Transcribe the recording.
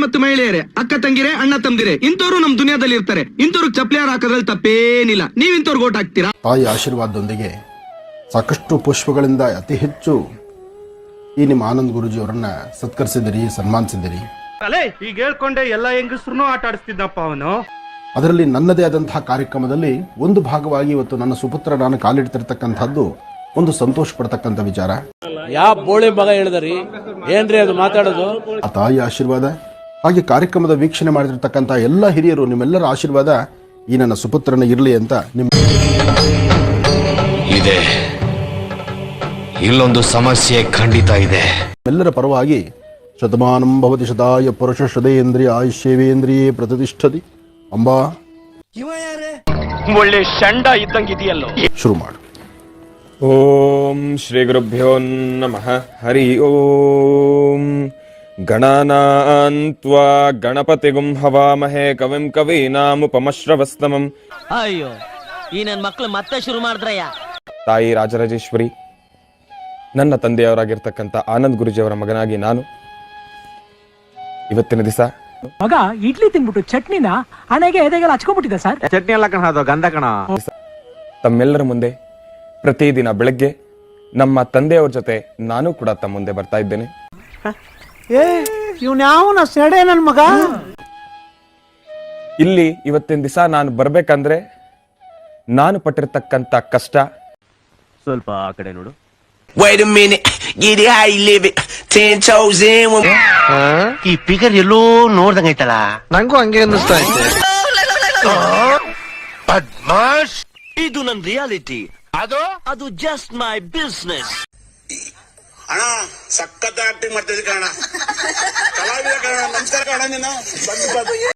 ಮತ್ತು ಮಹಿಳೆಯರೇ, ಅಕ್ಕ ತಂಗಿರೇ, ಅಣ್ಣ ತಮ್ದಿರೇ, ಇಂಥವ್ರು ನಮ್ ದುನಿಯಾದಲ್ಲಿ ಇರ್ತಾರೆ. ಇಂಥವ್ರಿಗೆ ಚಪ್ಲಿ ಹಾಕೋದ್ರಲ್ಲಿ ತಪ್ಪೇನಿಲ್ಲ. ನೀವ್ ಇಂಥವ್ರಿಗೆ ಓಟ್ ಹಾಕ್ತೀರಾ? ತಾಯಿ ಆಶೀರ್ವಾದದೊಂದಿಗೆ ಸಾಕಷ್ಟು ಪುಷ್ಪಗಳಿಂದ ಅತಿ ಹೆಚ್ಚು ಈ ನಿಮ್ಮ ಆನಂದ್ ಗುರೂಜಿ ಅವರನ್ನ ಸತ್ಕರಿಸಿದಿರಿ, ಸನ್ಮಾನಿಸಿದಿರಿ. ಈಗ ಹೇಳ್ಕೊಂಡೆ ಎಲ್ಲ ಹೆಂಗಸ್ರು ಆಟ ಆಡಿಸ್ತಿದ್ದಪ್ಪ ಅವನು. ಅದರಲ್ಲಿ ನನ್ನದೇ ಆದಂತಹ ಕಾರ್ಯಕ್ರಮದಲ್ಲಿ ಒಂದು ಭಾಗವಾಗಿ ಇವತ್ತು ನನ್ನ ಸುಪುತ್ರ ನಾನು ಕಾಲಿಡ್ತಿರ್ತಕ್ಕಂಥದ್ದು ಒಂದು ಸಂತೋಷ ಪಡ್ತಕ್ಕಂಥ ವಿಚಾರ. ಯಾವ ಬೋಳಿ ಮಗ ಹೇಳಿದ್ರಿ ಏನ್ರಿ ಅದು ಮಾತಾಡೋದು? ಆ ತಾಯಿ ಆಶೀರ್ವಾದ, ಹಾಗೆ ಕಾರ್ಯಕ್ರಮದ ವೀಕ್ಷಣೆ ಮಾಡಿರ್ತಕ್ಕಂಥ ಎಲ್ಲ ಹಿರಿಯರು, ನಿಮ್ಮೆಲ್ಲರ ಆಶೀರ್ವಾದ ಈ ನನ್ನ ಸುಪುತ್ರನ ಇರಲಿ ಅಂತ ಇದೆ. ಇಲ್ಲೊಂದು ಸಮಸ್ಯೆ ಖಂಡಿತ ಇದೆ. ಎಲ್ಲರ ಪರವಾಗಿ ಶತಮಾನಂ ಭವತಿ ಶತಾಯ ಪುರುಷ ಶ್ರದೇಂದ್ರಿಯ ಆಯುಷ್ಯವೇಂದ್ರಿಯೇ ಪ್ರತಿಷ್ಠತಿ ಅಂಬಾ. ಒಳ್ಳೆ ಶಂಡ ಇದ್ದಂಗಿದೆಯಲ್ಲೋ. ಶುರು ಮಾಡು. ಓಂ ಶ್ರೀ ಗುರುಭ್ಯೋ ನಮಃ. ಹರಿ ಓಂ. ಗಣಾನಾನ್ ತ್ವಾ ಗಣಪತಿಗುಂ ಹವಾಮಹೇ ಕವಿಂ ಕವೀನಾಮುಪಮಶ್ರವಸ್ತಮಂ. ಅಯ್ಯೋ, ಈ ನನ್ ಮಕ್ಳು ಮತ್ತೆ ಶುರು ಮಾಡಿದ್ರಯ್ಯ. ತಾಯಿ ರಾಜರಾಜೇಶ್ವರಿ, ನನ್ನ ತಂದೆಯವರಾಗಿರ್ತಕ್ಕಂಥ ಆನಂದ್ ಗುರೂಜಿಯವರ ಮಗನಾಗಿ ನಾನು ಇವತ್ತಿನ ದಿವಸ ಮಗ ಇಡ್ಲಿ ತಿನ್ಬಿಟ್ಟು ಚಟ್ನಿನ ಹಣೆಗೆ ಎದೆಗೆಲ್ಲ ಹಚ್ಕೊಂಡ್ಬಿಟ್ಟಿದೆ ಸರ್. ಚಟ್ನಿ ಎಲ್ಲ ಕಣ, ಅದು ಗಂಧ ಕಣ. ತಮ್ಮೆಲ್ಲರ ಮುಂದೆ ಪ್ರತಿದಿನ ಬೆಳಗ್ಗೆ ನಮ್ಮ ತಂದೆಯವ್ರ ಜೊತೆ ನಾನು ಕೂಡ ತಮ್ಮ ಮುಂದೆ ಬರ್ತಾ ಇದ್ದೇನೆ. ಇವ್ನ್ಯಾವನ ಸೆಡೆ ನನ್ ಮಗ. ಇಲ್ಲಿ ಇವತ್ತಿನ ದಿವಸ ನಾನು ಬರ್ಬೇಕಂದ್ರೆ ನಾನು ಪಟ್ಟಿರ್ತಕ್ಕಂಥ ಕಷ್ಟ. ಸ್ವಲ್ಪ ಆ ಕಡೆ ನೋಡು. Wait a minute, get it how you live it. 10 toes in. ಈ ಫಿಗರ್ ಎಲ್ಲೋ ನೋಡ್ದಂಗೈತಲ್ಲ. ನಂಗೂ ಹಂಗೆ ಅನ್ನಿಸ್ತಾ ಐತೆ. ಬದ್ಮಾಶ್. ಇದು ನನ್ ರಿಯಾಲಿಟಿ. ಅದು ಜಸ್ಟ್ ಮೈ ಬಿಸ್ನೆಸ್. ಅಣ್ಣ ಸಖತ್ ಆಕ್ಟಿಂಗ್ ಮಾಡ್ತಿದ್ದೆ ಕಣ, ಕಲಾವಿದ ಕಣ. ನಮಸ್ಕಾರ ಕಣ. ನೀನು ಬಂದು